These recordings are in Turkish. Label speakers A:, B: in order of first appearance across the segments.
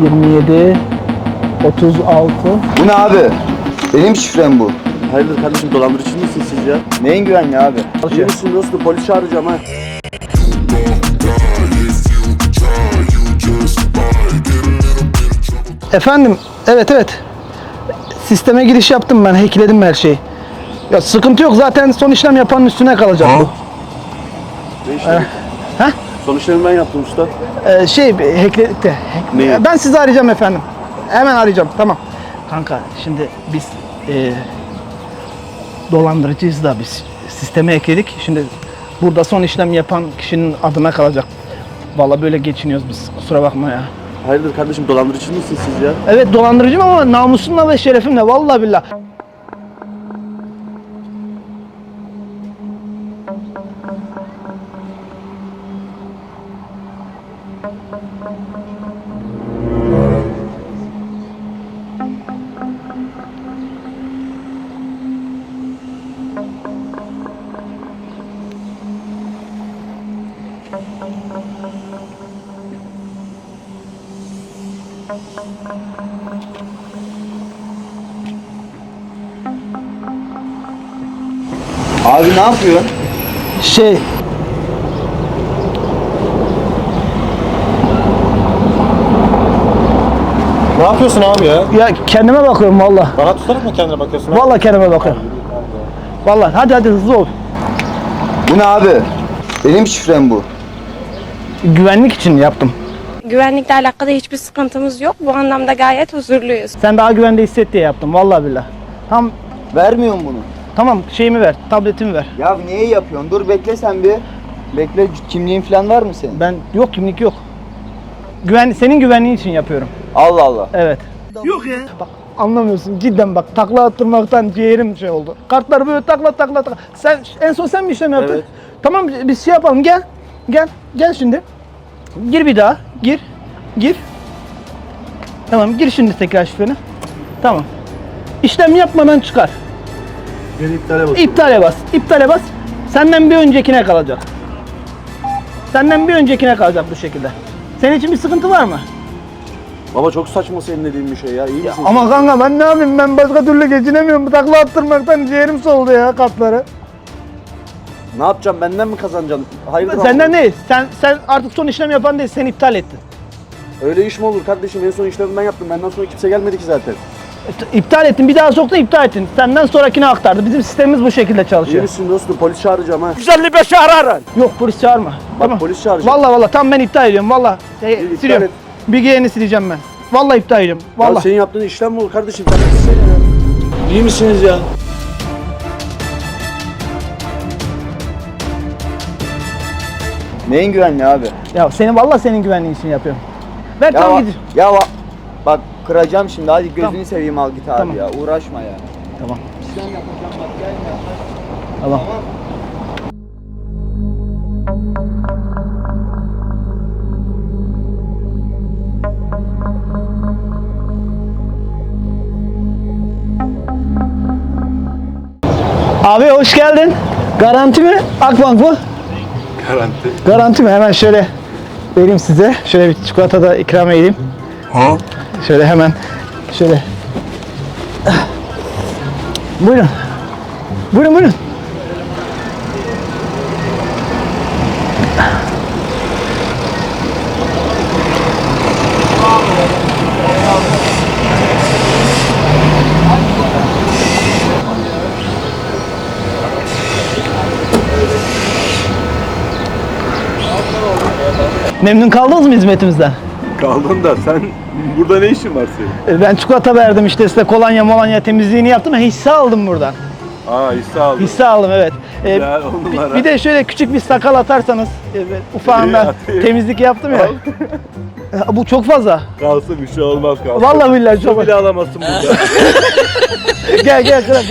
A: 27 36.
B: Bu ne abi? Benim şifrem bu.
C: Hayırdır kardeşim, dolandırıcı mısın siz ya?
B: Neyin güvenli abi?
C: İyi misin dostum? Polis çağıracağım ha.
A: Efendim, evet. Sisteme giriş yaptım ben, hackledim her şeyi. Ya sıkıntı yok, zaten son işlem yapanın üstüne kalacak bu.
C: Ne işlemi?
A: He?
C: Son işlemi ben yaptım usta.
A: Hackledik de.
C: Neyi?
A: Ben sizi arayacağım efendim. Hemen arayacağım, tamam. Kanka, şimdi biz dolandırıcıyız da biz sisteme ekledik. Şimdi burada son işlem yapan kişinin adına kalacak. Vallahi böyle geçiniyoruz biz, kusura bakma ya.
C: Hayırdır kardeşim, dolandırıcı mısın siz ya?
A: Evet, dolandırıcıyım ama namusumla ve şerefimle, vallahi billahi.
B: Abi ne yapıyorsun?
D: Ne yapıyorsun abi ya?
A: Ya kendime bakıyorum vallahi.
D: Bana tutarak mı kendine bakıyorsun?
A: Vallahi kendime bakıyorum. Vallahi hadi hızlı ol.
B: Bu ne abi? Benim şifrem bu.
A: Güvenlik için yaptım.
E: Güvenlikle alakalı hiçbir sıkıntımız yok. Bu anlamda gayet huzurluyuz.
A: Sen daha güvende hisset diye yaptım vallahi billahi.
B: Vermiyorum bunu.
A: Tamam, şeyimi ver, tabletimi ver.
B: Ya niye yapıyorsun? Dur bekle sen bir. Bekle, kimliğin falan var mı senin?
A: Ben yok, kimlik yok. Senin güvenliğin için yapıyorum.
B: Allah Allah.
A: Evet. Yok ya. Bak anlamıyorsun cidden, bak takla attırmaktan ciğerim şey oldu. Kartları böyle takla. Sen en son sen mi işlem yaptın?
C: Evet.
A: Tamam, biz şey yapalım, gel şimdi. Gir bir daha. Gir. Tamam, gir şimdi tekrar şifreni. Tamam. İşlem yapmadan çıkar.
C: Beni iptale bak.
A: İptale bas. Senden bir öncekine kalacak. Bu şekilde. Senin için bir sıkıntı var mı?
C: Baba çok saçma senin dediğin bir şey ya. İyi misin?
A: Ama kanka ben ne yapayım? Ben başka türlü geçinemiyorum. Takla attırmaktan ciğerim soldu ya, kartları.
C: Ne yapacağım? Benden mi kazanacaksın? Hayırdır?
A: Senden değil. Sen artık son işlem yapan değil. Sen iptal ettin.
C: Öyle iş mi olur kardeşim? En son işlemi ben yaptım. Benden sonra kimse gelmedi ki zaten.
A: İptal ettin. Bir daha soktun, iptal ettin. Senden sonrakine aktardı. Bizim sistemimiz bu şekilde
C: İyi
A: çalışıyor.
C: misin dostum? Polis çağıracağım ha.
D: 155'i ararın.
A: Yok, polis çağırma.
C: Bak polis çağıracağım.
A: Vallahi tamam, ben iptal ediyorum. Vallahi
C: iptal
A: siliyorum.
C: et.
A: Bilgilerini sileceğim ben. Vallahi iptal ediyorum.
C: Ya
A: Vallahi.
C: senin yaptığın işlem mi olur kardeşim? Sen ya. İyi misiniz ya?
B: Neyin güvenli abi?
A: Ya vallahi senin güvenliğin için yapıyorum. Ver
B: Ya,
A: tamam, gidin.
B: bak kıracağım şimdi, hadi gözünü
A: Tamam.
B: seveyim, al git abi
A: Tamam.
B: ya, uğraşma ya.
A: Tamam.
B: İşlem yapacağım bak, gelme yaklaş.
A: Tamam. Abi hoş geldin. Garanti mi? Akbank mı?
D: Garanti.
A: Garanti mi? Hemen şöyle vereyim size. Şöyle bir çikolata da ikram edeyim.
D: Ha?
A: Şöyle hemen şöyle. Buyurun. Buyurun. Memnun kaldınız mı hizmetimizden?
D: Kaldın da sen burada ne işin var senin?
A: Ben çikolata verdim işte size, kolonya temizliğini yaptım. Hisse aldım buradan.
D: Hisse aldın.
A: Hisse aldım, evet.
D: Güzel, on numara.
A: Bir de şöyle küçük bir sakal atarsanız, ufağından
D: atayım.
A: temizlik yaptım ya. Bu çok fazla.
D: Kalsın, bir şey olmaz kalsın.
A: Vallahi billahi çok
D: Su bile alamazsın burada.
A: Gel kral,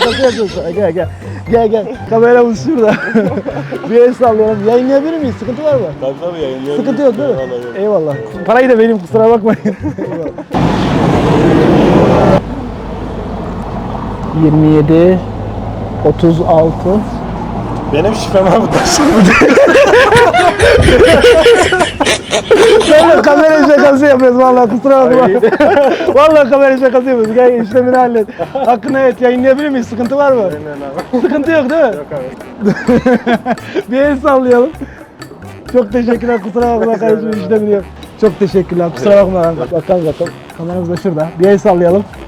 A: gel. Kameramız şurada. Bir el sallayalım. Yayınlayabilir miyiz? Sıkıntı var mı?
D: Tabii yayınlayabilirsin.
A: Sıkıntı yok değil mi?
D: Vallahi yok.
A: Eyvallah. Parayı da vereyim, kusura bakmayın. Eyvallah. 27 36
D: Benim şifrem abi taş.
A: Vallahi kamera şakası yapıyoruz vallahi kusura bakma. Vallahi kamera şakası yapıyoruz. Gel işlemini hallet. Hakkını evet yayınlayabilir miyiz? Sıkıntı var mı? Sıkıntı yok değil mi? Yok abi. Bir el sallayalım. Çok teşekkürler kusura bakma kardeşim işlemini yap. Çok teşekkürler kusura bakma. Bakalım. Kameramız da şurada. Bir el sallayalım.